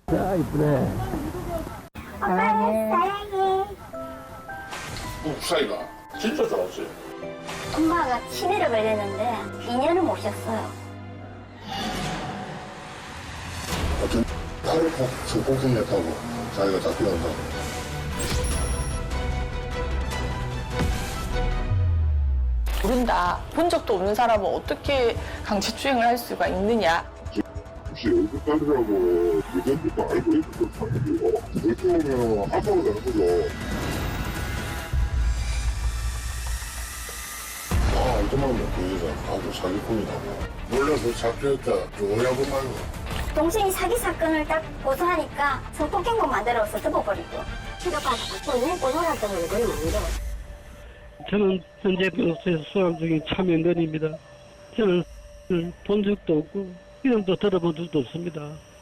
야, 이쁘네. 사랑해. 사이가 진짜 좋았어요. 엄마가 치매를 걸렸는데 2년을 모셨어요. 어떤 딸을 성폭행했다고 자기가 잡혀간다고. 모른다. 본 적도 없는 사람은 어떻게 강제추행을 할 수가 있느냐. 혹시 얼굴딸이라고 예전부터 알고 있었던 사람들이요. 그렇게 오면 아빠가 되는 거죠. 아, 이것만 그 여자 아주 사기꾼이라고. 몰라서 잡혔다. 좋아하고 말고. 동생이 사기 사건을 딱 고소하니까 성폭행범 만들어서 덮어버리고. 치료받아서 내 고소했던 건 그건 아니고. 저는 현재 변호사에서 수감 중인 참여연입니다. 저는 본 적도 없고 이름도 들어본 적도 없습니다.